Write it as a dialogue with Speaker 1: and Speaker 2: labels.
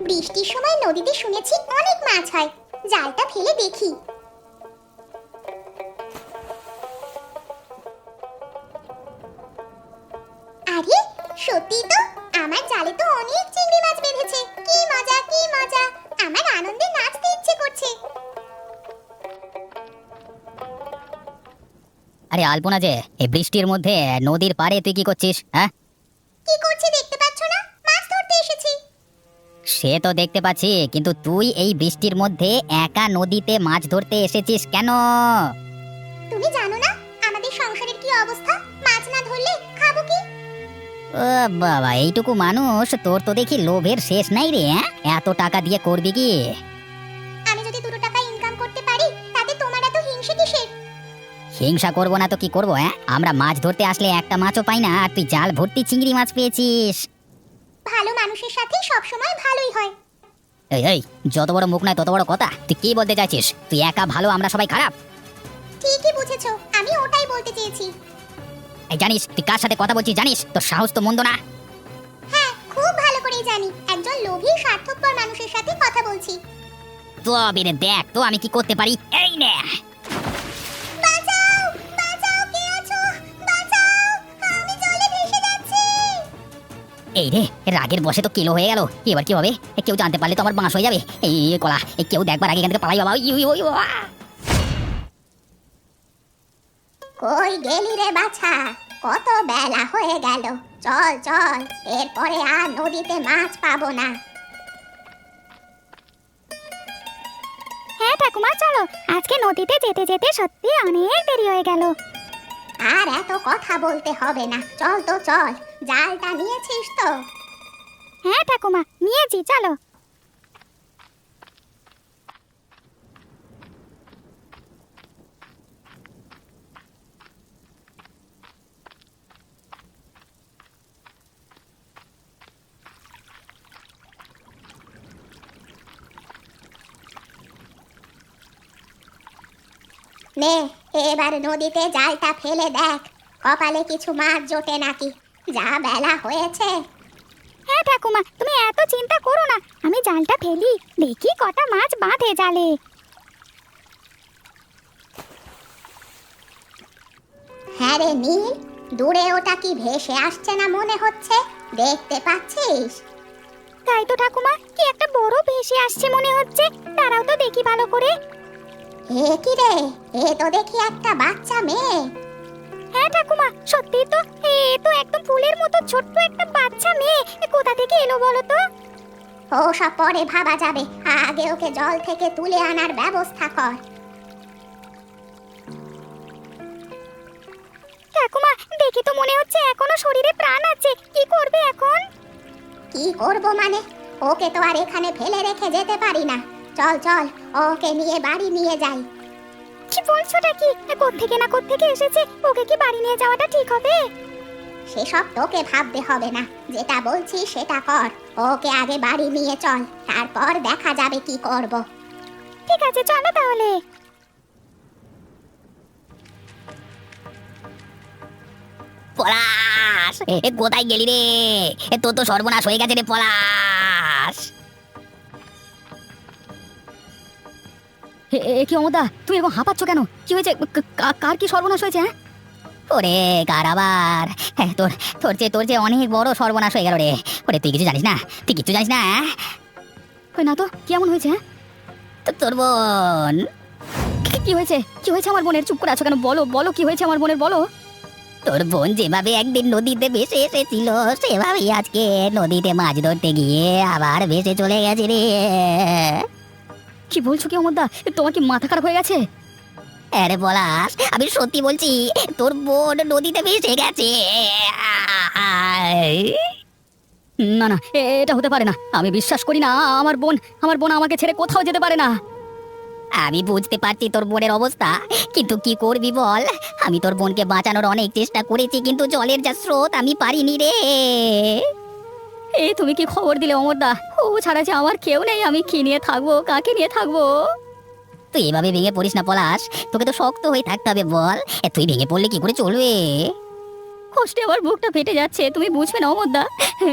Speaker 1: বৃষ্টির সময় নদীতে শুনেছি অনেক মাছ হয়, জালটা ফেলে দেখি। আরে সত্যি তো, আমার জালে তো অনেক চিংড়ি মাছ বেঁধেছে। কি মজা কি মজা, আমার আনন্দে নাচতে ইচ্ছে করছে।
Speaker 2: আরে আলপনা যে, এই বৃষ্টির মধ্যে নদীর পাড়ে তুই কি করছিস? হ্যাঁ,
Speaker 1: কি করছি দেখতে পাচ্ছ না? মাছ ধরতে এসেছি।
Speaker 2: সে তো দেখতে পাচ্ছি, কিন্তু তুই এই বৃষ্টির মধ্যে একা নদীতে মাছ ধরতে এসেছিস কেন?
Speaker 1: তুমি জানো না আমাদের সংসারের কি অবস্থা? মাছ না ধরলে খাবো কি?
Speaker 2: ও বাবা, এইটুকু মানুষ, তোর তো দেখি লোভের শেষ নাই রে। এত টাকা দিয়ে করবি কি?
Speaker 1: আমি যদি 2 টাকা ইনকাম করতে পারি তাতে তোমার এত হিংসে কিসের?
Speaker 2: হিংসা করবো না তো কি করবো? আমরা মাছ ধরতে আসলে একটা মাছও পাই না, আর তুই জাল ভর্তি চিংড়ি মাছ পেয়েছিস।
Speaker 1: ভালো মানুষের সাথে সব সময় ভালোই হয়।
Speaker 2: এই এই, যত বড় মুখ নয় তত বড় কথা। তুই কি বলতে চাইছিস? তুই একা ভালো, আমরা সবাই খারাপ?
Speaker 1: ঠিকই বুঝেছো, আমি ওটাই বলতে চেয়েছি।
Speaker 2: এই জানিস তুই কার সাথে কথা বলছিস? জানিস তোর সাহস তো মন্দ না।
Speaker 1: হ্যাঁ, খুব ভালো করেই জানি একজন লোভী স্বার্থপর মানুষের সাথে কথা বলছি।
Speaker 2: তো বিনে দেখ তো আমি কি করতে পারি। এই নে।
Speaker 1: বাঁচাও বাঁচাও, কে আছো? বাঁচাও, আমি জলে ভেসে যাচ্ছি।
Speaker 2: এই রে, রাগের বশে তো কিলো হয়ে গেল। এবার কি হবে? কেউ জানতে পারলে তো আমার বাঁশ হয়ে যাবে। এই কলা, কেউ দেখবার আগে এখান থেকে পালাই বাবা।
Speaker 1: কই গেলি রে বাছা? কত বেলা হয়ে গেল, চল চল, এরপরে আর নদীতে মাছ পাবো না।
Speaker 3: হ্যাঁ ঠাকুমা, চলো, আজকে নদীতে যেতে যেতে সত্যি অনেক দেরি হয়ে গেল।
Speaker 1: আর এত কথা বলতে হবে না, চল তো চল। জালটা নিয়েছিস তো?
Speaker 3: হ্যাঁ ঠাকুমা, নিয়েছি, চলো।
Speaker 1: নে, এবার নদীতে জালটা ফেলে দেখ, কপালে কিছু মাছ জোটে নাকি। যা বেলা হয়েছে।
Speaker 3: হ্যাঁ ঠাকুমা, তুমি এত চিন্তা করো না, আমি জালটা ফেলি, দেখি কটা মাছ বাঁধে জালে।
Speaker 1: হ্যাঁ রে নীল, দূরে ওটা কি ভেসে আসছে না মনে হচ্ছে? দেখতে পাচ্ছিস?
Speaker 3: তাই তো ঠাকুমা, কি একটা বড় ভেসে আসছে মনে হচ্ছে। দাঁড়াও তো দেখি ভালো করে।
Speaker 1: এ কি রে, এ তো দেখি একটা বাচ্চা মেয়ে।
Speaker 3: হ্যাঁ ঠাকুমা, সত্যি তো, এ তো একদম ফুলের মতো ছোট্ট একটা বাচ্চা মেয়ে। কোথা থেকে এলো বলো তো?
Speaker 1: ও সব পরে ভাবা যাবে, আগে ওকে জল থেকে তুলে আনার ব্যবস্থা কর।
Speaker 3: ঠাকুমা, দেখি তো মনে হচ্ছে এখনো শরীরে প্রাণ আছে। কি করবে এখন?
Speaker 1: কি করব মানে? ওকে তো আর এখানে ফেলে রেখে যেতে পারি না। চল চল, ওকে নিয়ে বাড়ি নিয়ে যাই।
Speaker 3: কি বলছোটা কি? কোত্থেকে না কোত্থেকে এসেছে, ওকে কি বাড়ি নিয়ে যাওয়াটা ঠিক হবে?
Speaker 1: সেসব তোকে ভাবতে হবে না, যেটা বলছি সেটা কর। ওকে আগে বাড়ি নিয়ে চল, তারপর দেখা যাবে কি করব।
Speaker 3: ঠিক আছে, চলো তাহলে।
Speaker 2: পলাশ, কোথায় গেলি রে? তোর তো সর্বনাশ হয়ে গেছে রে পলাশ। কি অমদা, তুই এরকম হাঁপাচ্ছ কেন? কি হয়েছে? কার কি সর্বনাশ হয়েছে? ওরে কার আবার? তোর যে অনেক বড় সর্বনাশ হয়ে গেল রে। ওরে তুই কিছু জানিস না, তুই কিছু জানিস না। ওই না তো, কেমন হয়েছে? তোর বোন। কি হয়েছে? কি হয়েছে আমার বোনের? চুপ করে আছো কেন? বলো বলো, কি হয়েছে আমার বোনের? বলো। তোর বোন যেভাবে একদিন নদীতে ভেসে এসেছিল, সেভাবেই আজকে নদীতে মাছ ধরতে গিয়ে আবার ভেসে চলে গেছে রে। কি বলছো কি অমরদা? তোমার কি মাথা খারাপ হয়ে গেছে? আরে পলাশ, আমি সত্যি বলছি, তোর বোন নদীতে ভেসে গেছে। না না, এটা হতে পারে না। আমি বিশ্বাস করি না। আমার বোন আমাকে ছেড়ে কোথাও যেতে পারে না। আমি বুঝতে পারছি তোর বোনের অবস্থা, কিন্তু কি করবি বল? আমি তোর বোনকে বাঁচানোর অনেক চেষ্টা করেছি, কিন্তু জলের যা স্রোত, আমি পারিনি রে। এই তুমি কি খবর দিলে অমরদা? ও ছাড়া যে আমার কেউ নেই, আমি কি নিয়ে থাকবো, কাকে নিয়ে থাকবো? তুই এভাবে ভেঙে পড়িস না পলাশ, তোকে তো শক্ত হয়ে থাকতে হবে বল। তুই ভেঙে পড়লে কি করে চলবে? কষ্টে আমার বুকটা ফেটে যাচ্ছে, তুমি বুঝবে না অমরদা।